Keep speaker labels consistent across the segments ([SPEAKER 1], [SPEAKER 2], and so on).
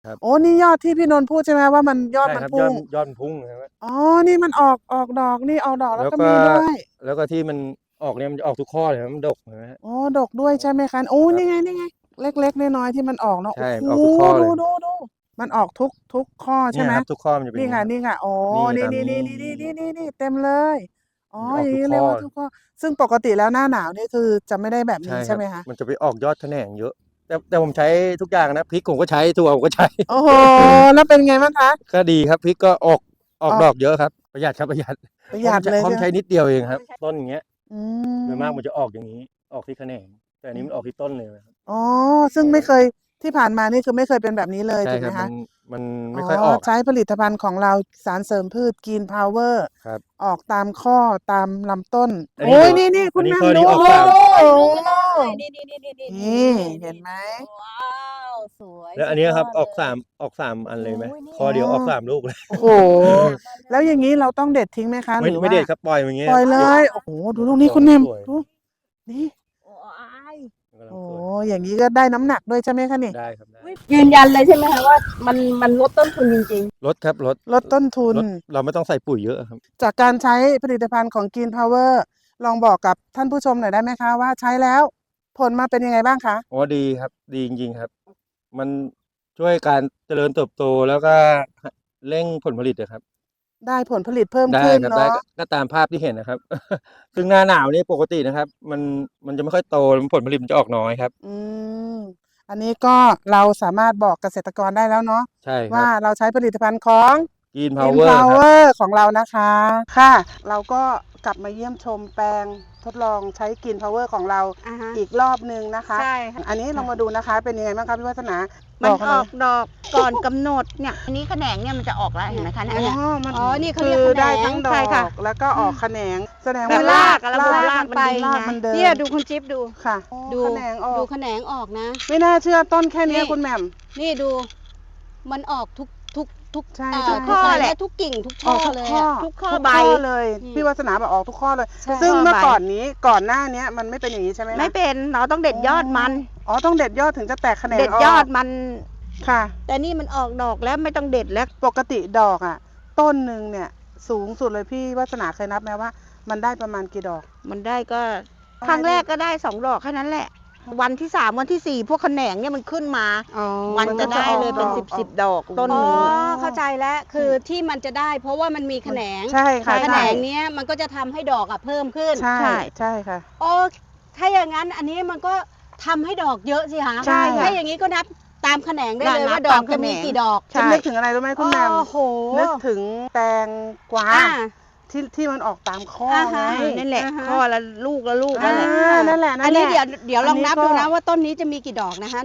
[SPEAKER 1] ครับ
[SPEAKER 2] โอ้นี่ยอดที่พี่นนท์พูดใช่ไหมว่ามันยอด
[SPEAKER 1] ใช่ครับยอ
[SPEAKER 2] มันพุ่ง
[SPEAKER 1] ดยอดมันพุ่งนะครับ
[SPEAKER 2] อ๋อนี่มันออกดอกนี่ออกดอกแล้วก็
[SPEAKER 1] แล้วก็
[SPEAKER 2] มีด้วย
[SPEAKER 1] แล้วก็ที่มันออกเนี่ยมันจะออกทุกข้อเลยครับมันดกนะฮะ
[SPEAKER 2] โอ้ดกด้วยใช่ไหมคะโอ้
[SPEAKER 1] ครับ
[SPEAKER 2] นี่ไงนี่ไงเล็กๆน้อยๆที่มันออกเนาะ
[SPEAKER 1] ใช่
[SPEAKER 2] โอ้โห
[SPEAKER 1] ออกทุกข้อเลย
[SPEAKER 2] ดูมันออกทุกข้อใช่ไหม
[SPEAKER 1] เนี่ยครับทุกข้อมันจะเป็นอ
[SPEAKER 2] นี่
[SPEAKER 1] ย่างนี้ครับ
[SPEAKER 2] ค่ะโอ้
[SPEAKER 1] นี่
[SPEAKER 2] นี่
[SPEAKER 1] ตามนี้
[SPEAKER 2] นี่เต็มเลยอ๋อ
[SPEAKER 1] มันจะอ
[SPEAKER 2] อย่างนี้เรี
[SPEAKER 1] อกทุกข้อ
[SPEAKER 2] ยกว่าทุกข้อซึ่งปกติแล้วหน้าหนาวนี่คือจะไม่ได้แบบ
[SPEAKER 1] ใช่ครับ
[SPEAKER 2] นี้ใช่ไหมคะ
[SPEAKER 1] มันจะไปออกยอดแขนงเยอะแต่ผมใช้ทุกอย่างนะพริกผมก็ใช้ถั่วผมก็ใช้
[SPEAKER 2] โอ้โหแล้วเป็นไงบ้างคะ
[SPEAKER 1] ก็ดีครับพริกก็ออก
[SPEAKER 2] ออก
[SPEAKER 1] ดอกเยอะครับประหยัดครับประหยัด
[SPEAKER 2] ประหยัดเลย
[SPEAKER 1] พร้อม
[SPEAKER 2] ใช่ไหม
[SPEAKER 1] ใช้นิดเดียวเองครับต้นอย่างเงี้ย
[SPEAKER 2] อื
[SPEAKER 1] โดยมาก
[SPEAKER 2] ม
[SPEAKER 1] มันจะออกอย่างนี้ออกที่แขนงแต่อันนี้มันออกที่ต้นเลยครับ
[SPEAKER 2] อ๋อซึ่งไม่เคยที่ผ่านมานี่คือไม่เคยเป็นแบบนี้เลย
[SPEAKER 1] ใช่ครับมั
[SPEAKER 2] ถูกไหมคะ
[SPEAKER 1] นมัน
[SPEAKER 2] อ๋อ
[SPEAKER 1] ไม่ค่อยออก
[SPEAKER 2] ใช้ผลิตภัณฑ์ของเราสารเสริมพืชกินพาวเวอร์
[SPEAKER 1] ครับ
[SPEAKER 2] ออกตามข้อตามลำต้น
[SPEAKER 1] อันนี้
[SPEAKER 2] โอ้ยนี่
[SPEAKER 1] อันนี้ข้อ
[SPEAKER 2] คุณแม่ดู
[SPEAKER 1] นี้ออกสาม
[SPEAKER 2] โอ้
[SPEAKER 3] ดูกันเลย
[SPEAKER 2] นี่เห็นไหม
[SPEAKER 3] ว้าวสวย
[SPEAKER 1] แล้วอั
[SPEAKER 3] สุด
[SPEAKER 1] นนี้ครับ
[SPEAKER 3] ยอดเลย
[SPEAKER 1] ออกสามอันเลยไหม
[SPEAKER 3] โอ้ยนี่
[SPEAKER 1] ข้อเดียวออกสามลูกเลย
[SPEAKER 2] โอ้โหแล้วอย่างนี้เราต้องเด็ดทิ้งไหมคะหรือ
[SPEAKER 1] ไม่
[SPEAKER 2] ว่า
[SPEAKER 1] เด็ดครับปล่อยอย่างเงี้ย
[SPEAKER 2] ปล่อยเล
[SPEAKER 1] เดี๋ยว
[SPEAKER 2] ยโอ้โหดูลูกนี้คุณแม่
[SPEAKER 1] สวย
[SPEAKER 2] ดูนี่
[SPEAKER 3] โอ้ย
[SPEAKER 1] กำลัง
[SPEAKER 2] โอ้
[SPEAKER 1] สวย
[SPEAKER 2] อย่างนี้ก็ได้น้ำหนักด้วยใช่ไหมคะนี่
[SPEAKER 1] ได้ครับได้
[SPEAKER 3] ยืนยันเลยใช่ไหมคะว่ามันลดต้นทุนจริง
[SPEAKER 1] ลดครับ
[SPEAKER 2] ลดต้นทุน
[SPEAKER 1] เราไม่ต้องใส่ปุ๋ยเยอะครับ
[SPEAKER 2] จากการใช้ผลิตภัณฑ์ของ Green Power ลองบอกกับท่านผู้ชมหน่อยได้ไหมคะว่าใช้แล้วผลมาเป็นยังไงบ้างคะ
[SPEAKER 1] อ๋อดีครับดีจริงๆครับมันช่วยการเจริญเติบโตแล้วก็เร่งผลผลิตนะครับ
[SPEAKER 2] ได้ผลผลิตเพิ่ม
[SPEAKER 1] ได้
[SPEAKER 2] ขึ้น
[SPEAKER 1] ครับได้
[SPEAKER 2] เนาะ
[SPEAKER 1] ก็ตามภาพที่เห็นนะครับ ซึ่งหน้าหนาวนี่ปกตินะครับมันจะไม่ค่อยโตผลผลิตมันจะออกน้อยครับ
[SPEAKER 2] อืมอันนี้ก็เราสามารถบอกเกษตรกรได้แล้วเนาะ
[SPEAKER 1] ใช่ครั
[SPEAKER 2] ว่า
[SPEAKER 1] บ
[SPEAKER 2] เราใช้ผลิตภัณฑ์ของ
[SPEAKER 1] Green
[SPEAKER 2] Green
[SPEAKER 1] Power ครับ
[SPEAKER 2] Power ของเรานะคะค่ะ เราก็กลับมาเยี่ยมชมแปลงทดลองใช้ Green Power ของเรา
[SPEAKER 3] ๆ
[SPEAKER 2] อีกรอบนึงนะคะ
[SPEAKER 3] ใช่ค่ะ
[SPEAKER 2] อันนี้เรามาดูนะคะเป็นยังไงบ้างคะพี่วัฒนา
[SPEAKER 4] มัน
[SPEAKER 2] บ
[SPEAKER 4] อ
[SPEAKER 2] ห
[SPEAKER 4] อกดอกก่อนกำหนดเนี่ยอันนี้แขนงเนี่ยมันจะออกแล้วเห็นไหมคะเนี่ย
[SPEAKER 2] อ๋อมัน
[SPEAKER 3] อ๋อนี่เขา
[SPEAKER 2] คื
[SPEAKER 3] เรียก
[SPEAKER 2] อ
[SPEAKER 3] แขนง
[SPEAKER 2] ได้ทั้งดอ
[SPEAKER 4] ใช่ค่ะ
[SPEAKER 2] กแล้วก็ออกแขนงแสดง
[SPEAKER 4] แต่
[SPEAKER 2] ว่า
[SPEAKER 4] รากระบบราก
[SPEAKER 2] มัน
[SPEAKER 4] ไป
[SPEAKER 2] ราก
[SPEAKER 4] ไง
[SPEAKER 2] มันเดิน
[SPEAKER 3] เนี่ยดูคุณจิ๊บดู
[SPEAKER 2] ค่ะ
[SPEAKER 3] ดู
[SPEAKER 2] แขนงออ
[SPEAKER 3] ดู
[SPEAKER 2] ก
[SPEAKER 3] แขนงออกนะ
[SPEAKER 2] ไม่น่าเชื่อต้นแค่นี้
[SPEAKER 3] นี่
[SPEAKER 2] คุณแหม่ม
[SPEAKER 3] นี่ดูมันออกทุก
[SPEAKER 2] ใช่
[SPEAKER 3] ทุก
[SPEAKER 2] ใช่
[SPEAKER 3] ข้อ
[SPEAKER 4] ใช่
[SPEAKER 3] และทุกกิ่งทุก
[SPEAKER 2] อ
[SPEAKER 3] ช่อ
[SPEAKER 2] อกทุก
[SPEAKER 3] เลย
[SPEAKER 2] ข้อ
[SPEAKER 3] อะ
[SPEAKER 4] ทุกข้อ
[SPEAKER 2] ทุก
[SPEAKER 4] ใบ
[SPEAKER 2] ข้อเลย
[SPEAKER 3] อืม
[SPEAKER 2] พี่วัฒนาบอกออกทุกข้อเลย
[SPEAKER 3] ใช่
[SPEAKER 2] ซึ่งเมื่อ
[SPEAKER 4] ใบ
[SPEAKER 2] ก่อนหน้านี้มันไม่เป็นอย่างนี้ใช่ไหมคะ
[SPEAKER 4] ไม่เป็นเราต้องเด็ดยอดมัน
[SPEAKER 2] อ๋อต้องเด็ดยอดถึงจะแตกแขนง
[SPEAKER 4] เด็ด
[SPEAKER 2] ออก
[SPEAKER 4] ยอดมัน
[SPEAKER 2] ค่ะ
[SPEAKER 4] แต่นี่มันออกดอกแล้วไม่ต้องเด็ดแล้ว
[SPEAKER 2] ปกติดอกอ่ะ ต้นหนึ่งเนี่ยสูงสุดเลยพี่วัฒนาเคยนับไหมว่า มันได้ประมาณกี่ดอก
[SPEAKER 4] มันได้ก็ครั้งแรกก็ได้2 ดอกแค่นั้นแหละ วันที่ 3วันที่ 4พวกแขนงเนี่ยมันขึ้นมา
[SPEAKER 3] อ๋อ
[SPEAKER 4] มันจะได้เลยเป็น
[SPEAKER 2] ออก
[SPEAKER 4] 10ดอกต้น
[SPEAKER 3] อ๋
[SPEAKER 4] ห
[SPEAKER 3] อ
[SPEAKER 4] นึ่ง
[SPEAKER 3] เข้าใจแล้วคือที่มันจะได้ เพราะว่ามันมีแขนง
[SPEAKER 2] ใช่ค่ะ
[SPEAKER 3] แขน
[SPEAKER 2] ใช่
[SPEAKER 3] งเนี้ยมันก็จะทำให้ดอกอะเพิ่มขึ้น
[SPEAKER 2] ใช่
[SPEAKER 4] ใช่
[SPEAKER 2] ใช่ค่ะ
[SPEAKER 3] โอ้ถ้าอย่างนั้นอันนี้มันก็ทำให้ดอกเยอะสิคะ
[SPEAKER 2] ใช่ค่ะ
[SPEAKER 3] ถ้าอย่างนี้ก็นับตามแขนงได้เลย
[SPEAKER 4] นับ
[SPEAKER 3] ว่าดอก
[SPEAKER 4] ตามแข
[SPEAKER 3] จะ
[SPEAKER 4] นง
[SPEAKER 3] มีกี่ดอก
[SPEAKER 4] ใช่
[SPEAKER 2] ฉันนึกถึงอะไรรู้ไหมคุณแหม่ม
[SPEAKER 3] โอ้โห
[SPEAKER 2] นึกถึงแตงกวา
[SPEAKER 3] อ่า
[SPEAKER 2] ที่มันออกตามข้อ
[SPEAKER 3] อ่า
[SPEAKER 2] ไง
[SPEAKER 3] ฮะ
[SPEAKER 4] นั่นแหละ
[SPEAKER 3] อ่าฮะ
[SPEAKER 4] ข้อละลูกละลูก
[SPEAKER 2] อ่า
[SPEAKER 4] นั่นแหละ
[SPEAKER 2] นั่นแหละ
[SPEAKER 3] อันนี้
[SPEAKER 2] แหละ
[SPEAKER 3] เดี๋ยวลองนับ
[SPEAKER 2] อันนี้ก็
[SPEAKER 3] ดูนะว่าต้นนี้จะมีกี่ดอกนะคะ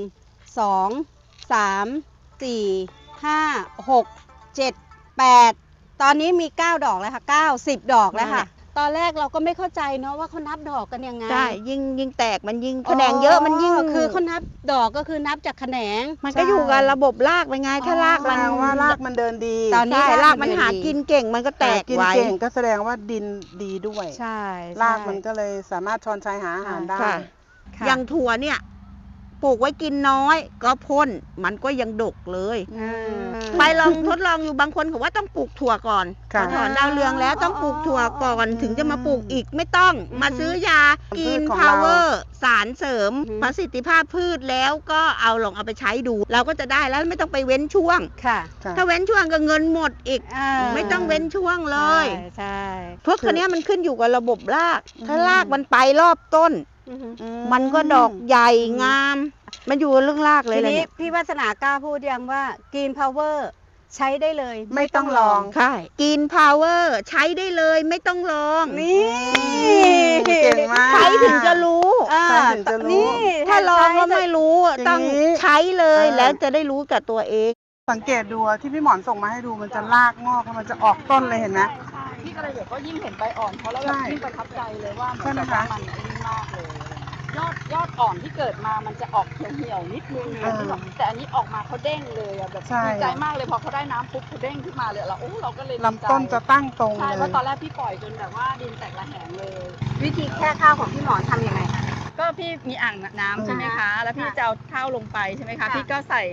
[SPEAKER 3] 1 2 3 4 5 6 7 8ตอนนี้มี9 ดอกแล้วค่ะ9 10 ดอกแล้วค่ะ ตอนแรกเราก็ไม่เข้าใจเนาะว่าเขานับดอกกันยังไง
[SPEAKER 4] ใช่ยิ่งแตกมันยิ่งแขนงเยอะมันยิ่ง
[SPEAKER 3] คือเขานับดอกก็คือนับจากแขนง
[SPEAKER 4] มันก็อยู่กับระบบรากไปไงถ้าราก
[SPEAKER 2] แส
[SPEAKER 4] มัน
[SPEAKER 2] ดงว่ารากมันเดินดี
[SPEAKER 3] ตอนนี้
[SPEAKER 4] ใช่
[SPEAKER 3] ราก
[SPEAKER 4] รากมัน
[SPEAKER 3] มัน
[SPEAKER 4] หา
[SPEAKER 3] ดี
[SPEAKER 4] กินเก่งมันก็แตก
[SPEAKER 2] กิน
[SPEAKER 4] ไว้
[SPEAKER 2] เก่งก็แสดงว่าดินดีด้วย
[SPEAKER 3] ใช่
[SPEAKER 2] รากมันก็เลยสามารถชอนชัยหาอาหารได้
[SPEAKER 4] ค่ะ
[SPEAKER 3] ค่ะ
[SPEAKER 4] อย่างถั่วเนี่ยปลูกไว้กินน้อยก็พ่นมันก็ยังดกเลย
[SPEAKER 3] อืม
[SPEAKER 4] ไปลองทดลองอยู่บางคนเขาว่าต้องปลูกถั่วก่อน
[SPEAKER 2] ค่ะ
[SPEAKER 4] พอถอนดาวเรืองแล้วต้องปลูกถั่วก่อนถึงจะมาปลูกอีกไม่ต้อง มาซื้อยากิน
[SPEAKER 2] พืชของ
[SPEAKER 4] พาวเวอ
[SPEAKER 2] เรา
[SPEAKER 4] ร์สารเสริมประสิทธิภาพพืชแล้วก็ลองเอาไปใช้ดู เราก็จะได้แล้วไม่ต้องไปเว้นช่วง
[SPEAKER 3] ค่ะ
[SPEAKER 2] ค่ะ
[SPEAKER 4] ถ้าเว้นช่วงก็เงินหมดอีก
[SPEAKER 3] อ่า
[SPEAKER 4] ไม่ต้องเว้นช่วงเลย
[SPEAKER 3] ใช่
[SPEAKER 4] พวกคันนี้ยมันขึ้นอยู่กับระบบราก ถ้ารากมันไปรอบต้น
[SPEAKER 3] อือฮึ
[SPEAKER 4] มันก็ดอกใหญ่งาม มันอยู่กับเรื่องรากเลย
[SPEAKER 3] ที
[SPEAKER 4] เลย
[SPEAKER 3] นี้
[SPEAKER 4] เนี่ย
[SPEAKER 3] พี่วาสนากล้าพูดยังว่า Green Power ใช้ได้เลย
[SPEAKER 2] ไม่ต้องลอง
[SPEAKER 4] ใช่กินพาวเวอร์ใช้ได้เลยไม่ต้องลอง
[SPEAKER 3] นี่
[SPEAKER 2] เก่งมาก
[SPEAKER 4] ใช้ถึงจะรู้
[SPEAKER 3] อ่า
[SPEAKER 2] ใช้ถึงจะรู้
[SPEAKER 3] นี่
[SPEAKER 4] ถ้าลองแล้ว
[SPEAKER 3] ใช้
[SPEAKER 4] ไม่รู้
[SPEAKER 2] อย่างนี้
[SPEAKER 4] ต้องใช้เลย
[SPEAKER 2] อ่า
[SPEAKER 4] แล้วจะได้รู้กับตัวเอง
[SPEAKER 2] สังเกตดูอะที่พี่หมอนส่งมาให้ดูมันจะรากงอกแล้วมันจะออกต้นเลยเห็นไหม
[SPEAKER 5] พี่กระเดียดก็ยิ่งเห็นใบอ่อนเขาแล้ว
[SPEAKER 2] ใช่
[SPEAKER 5] แบบยิ่งประทับใจเลยว่าเหมือน
[SPEAKER 2] ใช่ไหม
[SPEAKER 5] แบบว่า
[SPEAKER 2] คะ
[SPEAKER 5] มันไอ้นี่มากเลยยอดอ่อนที่เกิดมามันจะออกเหี่ยวๆนิดนึง
[SPEAKER 2] อ่า
[SPEAKER 5] แต่อันนี้ออกมาเขาเด้งเลยอะแบบ
[SPEAKER 2] ใช่
[SPEAKER 5] ดีใจมากเลยพอเขาได้น้ำปุ๊บเขาเด้งขึ้นมาเลยเราก็เลยดีใจ
[SPEAKER 2] ลำต้นจะตั้งตรง
[SPEAKER 5] ใช่
[SPEAKER 2] เล
[SPEAKER 5] เพราะ
[SPEAKER 2] ย
[SPEAKER 5] ตอนแรกพี่ปล่อยจนแบบว่าดินแตกระแหงเลย
[SPEAKER 3] วิธีแค่ข้าวของพี่หมอนทำยังไงคะ
[SPEAKER 5] ก็พี่มีอ่างน้ำใช่ไหมคะ แล้วพี่จะเอาข้าวลงไปใช่ไหมคะ
[SPEAKER 3] ค่ะ
[SPEAKER 5] พี่ก็ใส่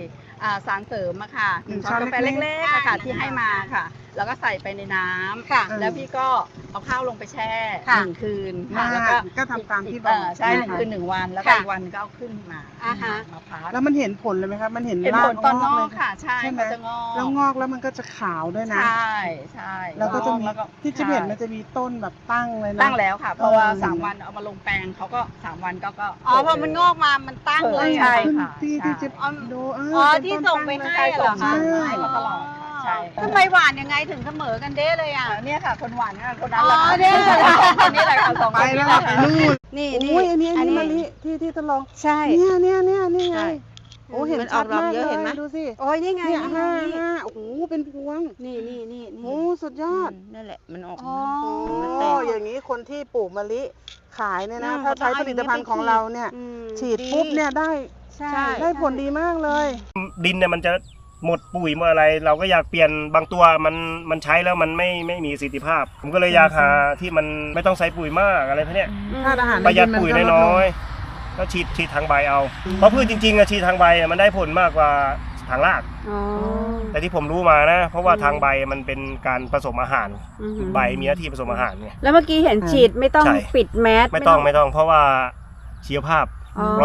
[SPEAKER 5] สารเสริมอะค่ะ
[SPEAKER 2] ช้อน
[SPEAKER 5] กาแฟ
[SPEAKER 2] เล็กๆ
[SPEAKER 5] เล็กๆอะค่ะที่ให้มาค่ะ แล้วก็ใส่ไปในน้ำ
[SPEAKER 3] ค่ะ
[SPEAKER 5] แล้วพี่ก็เอาข้าวลงไปแช่
[SPEAKER 3] ค่ะ
[SPEAKER 5] 1 คืนค่ะแล้วก็
[SPEAKER 2] ก็ทำตามที่บอก
[SPEAKER 5] ใช่
[SPEAKER 2] นะคะ
[SPEAKER 5] 1 คืน 1 วันแล้วก็
[SPEAKER 3] ค่ะ
[SPEAKER 5] อีกวันก็เอาขึ้นมา
[SPEAKER 3] อ่าฮะ
[SPEAKER 5] มาพัก
[SPEAKER 2] แล้วมันเห็นผลเลยไหมคะมันเห็น
[SPEAKER 5] เห็น
[SPEAKER 2] รา
[SPEAKER 5] ผ
[SPEAKER 2] ก
[SPEAKER 5] ลตอนง
[SPEAKER 2] เล
[SPEAKER 5] อย กค่ะ ใช่
[SPEAKER 2] ใช่ไหม
[SPEAKER 5] มันจะงอก
[SPEAKER 2] แล้วงอกแล้วมันก็จะขาวด้วยนะ
[SPEAKER 5] ใช่ใช่
[SPEAKER 2] แล้วก็จะมี
[SPEAKER 5] แล้วก็
[SPEAKER 2] ที่จิ๊บเห็นมันจะมีต้นแบบตั้งเลยนะ
[SPEAKER 5] ตั้งแล้วค่ะ เพราะว่า
[SPEAKER 2] เออ
[SPEAKER 5] 3 วันเอามาลงแปลงเขาก็3 วันก็
[SPEAKER 3] อ๋อพอมันงอกมามันตั้งเลย
[SPEAKER 5] ใช่
[SPEAKER 3] อะ
[SPEAKER 5] ค่ะ
[SPEAKER 2] ที่
[SPEAKER 5] ใช่
[SPEAKER 2] จิ๊บดู
[SPEAKER 3] อ๋อ
[SPEAKER 2] เป็น
[SPEAKER 3] ที่
[SPEAKER 2] ต้น
[SPEAKER 3] ส่งไป
[SPEAKER 2] ตั้
[SPEAKER 3] ให้
[SPEAKER 2] เลย
[SPEAKER 3] เหรอคะ
[SPEAKER 5] ส่งให้มาตลอดค่ะใช่
[SPEAKER 3] ทำไมหวานยังไงถึงเสมอกันเด้เลยอ่ะ
[SPEAKER 5] เนี่ยค่ะ คนหวานค่ะคนนั้นแหละ
[SPEAKER 3] อ๋อ
[SPEAKER 5] ค่ะ
[SPEAKER 3] เนี่ย
[SPEAKER 5] คนนี้แหละค่ะ2
[SPEAKER 2] ไป
[SPEAKER 5] คนนี้
[SPEAKER 2] แล้ว
[SPEAKER 5] แหละ
[SPEAKER 2] ไป
[SPEAKER 5] ค่ะ
[SPEAKER 2] นู่น
[SPEAKER 3] นี่
[SPEAKER 2] โอ้ยอันนี้
[SPEAKER 3] อันนี้
[SPEAKER 2] มะลิที่ทดลอง
[SPEAKER 3] ใช่
[SPEAKER 2] เนี่ยนี่ไง
[SPEAKER 4] ใช่
[SPEAKER 2] โอ้เห็น
[SPEAKER 4] มันอ
[SPEAKER 2] ชั
[SPEAKER 4] อ
[SPEAKER 2] ด
[SPEAKER 4] กดอก
[SPEAKER 2] มาก
[SPEAKER 4] เยอะ
[SPEAKER 2] เล
[SPEAKER 4] เห็นไหม
[SPEAKER 2] ยดูสิ
[SPEAKER 3] โอ้ยนี่ไง
[SPEAKER 2] เนี่ย
[SPEAKER 3] นี่ไง
[SPEAKER 2] ห้าโอ้โหเป็นพวง
[SPEAKER 3] นี่นี่นี่
[SPEAKER 2] โอ้สุดยอด
[SPEAKER 4] นั่นแหละมันออก
[SPEAKER 3] อ๋อ
[SPEAKER 4] มัน
[SPEAKER 2] โอ้
[SPEAKER 4] แตก
[SPEAKER 2] อย่างนี้คนที่ปลูกมะลิขายเนี่ยนะ
[SPEAKER 3] อืม
[SPEAKER 2] ถ้าใช้ผลิตภัณฑ์ของเราเนี่ย
[SPEAKER 3] อืม
[SPEAKER 2] ฉีดปุ๊บเนี่ยได้
[SPEAKER 3] ใช่
[SPEAKER 2] ได้ผลดีมากเลย
[SPEAKER 6] ดินเนี่ยมันจะหมดปุ๋ยหมดอะไร เราก็อยากเปลี่ยนบางตัวมันใช้แล้วมันไม่มีประสิทธิภาพ ผมก็เลยอยากหาที่มันไม่ต้องใส่ปุ๋ยมากอะไรพวกเนี้ย
[SPEAKER 2] ธาตุอาหารใน
[SPEAKER 6] ประหยัด
[SPEAKER 2] ดินมัน
[SPEAKER 6] ปุ๋ย
[SPEAKER 2] ก็ลดล
[SPEAKER 6] น้
[SPEAKER 2] ง
[SPEAKER 6] อยๆแล้วฉีดทางใบเอา เพราะพืชจริงๆอะฉีดทางใบอะมันได้ผลมากกว่าทางราก
[SPEAKER 3] อ๋อ
[SPEAKER 6] แต่ที่ผมรู้มานะ เพราะว่าทางใบมันเป็นการผสมอาหาร
[SPEAKER 3] อือหือ
[SPEAKER 6] ใบมีหน้าที่ผสมอาหารไง
[SPEAKER 3] แล้วเมื่อกี้เห็นฉีดไม่ต้อง
[SPEAKER 6] ใช่
[SPEAKER 3] ปิดแมส
[SPEAKER 6] ไม่ต้องเพราะว่าชีวภาพ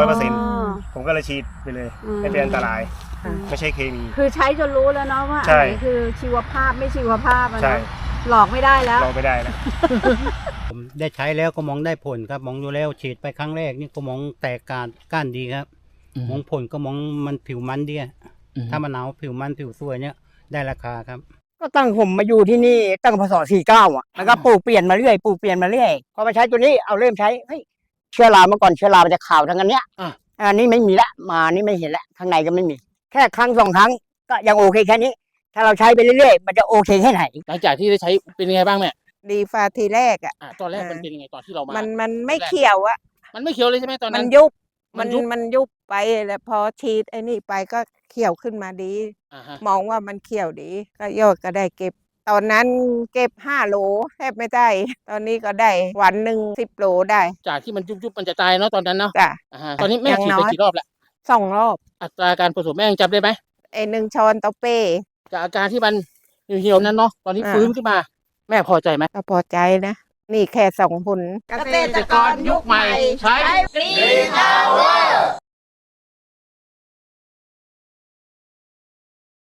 [SPEAKER 3] 100%
[SPEAKER 6] ผมก็เลยฉีดไปเลย
[SPEAKER 3] อืม
[SPEAKER 6] ไม่เป็นอันตราย
[SPEAKER 2] ค่ะ
[SPEAKER 6] ไม่ใช่เคมี
[SPEAKER 3] คือใช้จนรู้แล้วเนาะว่า
[SPEAKER 6] ใช่
[SPEAKER 3] อันไหนคือชีวภาพไม่ชีวภาพอะ
[SPEAKER 6] ใช่
[SPEAKER 3] เนาะหลอกไม่ได้แล้ว
[SPEAKER 6] ลองไปได้นะ
[SPEAKER 7] ผมได้ใช้แล้วก็มองได้ผลครับมองดูแล้วฉีดไปครั้งแรกนี่ก็มองแตกก้านดีครับ มองผลก็มองมันผิวมันดีอะถ้ามันหนาวผิวมันผิวสวยเนี่ยได้ราคาครับ
[SPEAKER 8] ก็ตั้งผมมาอยู่ที่นี่ตั้งพศ49อ่ะแล้วก็ปลูกเปลี่ยนมาเรื่อยปลูกเปลี่ยนมาเรื่อยพอมาใช้ตัวนี้เอาเริ่มใช้เฮ้ยเชื้อราเมื่อก่อนเชื้อรามันจะขาวทั้งอันเนี้ยอันนี้ไม่มีละมานี่ไม่เห็นละข้างในก็ไม่มี แค่ครั้ง2 ครั้งก็ยังโอเคแค่นี้ ถ้าเราใช้ไปเรื่อยๆมันจะโอเคแค่ไหน
[SPEAKER 9] หลังจากที่ได้ใช้เป็นยังไงบ้างแม่
[SPEAKER 10] ดีฟ้าทีแรกอ่ะ
[SPEAKER 9] ตอนแรกมันเป็นยังไงตอนที่เรามา
[SPEAKER 10] มันไม่เขียวอ่ะ
[SPEAKER 9] มันไม่เขียวเลยใช่ไหมตอน
[SPEAKER 10] มั
[SPEAKER 9] นั้น น
[SPEAKER 10] ยุบ
[SPEAKER 9] มั
[SPEAKER 10] มัน น
[SPEAKER 9] ยุบ
[SPEAKER 10] มันยุบไปแล้วพอฉีดไอ้นี่ไปก็เขียวขึ้นมาดี
[SPEAKER 9] อ่าฮะ
[SPEAKER 10] มองว่ามันเขียวดี ก็ยอดก็ได้เก็บ ตอนนั้นเก็บ5 โลแทบไม่ได้ ตอนนี้ก็ได้วันหนึ่ง10 โลได้
[SPEAKER 9] จากที่มันยุบมันจะตายเนาะตอนนั้นเนาะ
[SPEAKER 10] จ้ะ
[SPEAKER 9] อ่าฮะตอนนี้แม่
[SPEAKER 10] อย่าง
[SPEAKER 9] ฉีด
[SPEAKER 10] น้
[SPEAKER 9] ไป
[SPEAKER 10] อย
[SPEAKER 9] กี่รอบแล้ว
[SPEAKER 10] 2 รอบ
[SPEAKER 9] อัตราการผสมแม่ยังจำได้ไหม
[SPEAKER 10] ไอ้1 ช้อนต่อเป้
[SPEAKER 9] จากอาการที่มันเหี่ยวๆนั้นเนาะตอนนี้
[SPEAKER 10] อ่า
[SPEAKER 9] ฟื้นขึ้นมา แม่พอใจไหม
[SPEAKER 10] ก็พอใจนะ นี่แค่2 ผล
[SPEAKER 9] เกษตรกรยุคใหม่ใช้
[SPEAKER 3] Green Power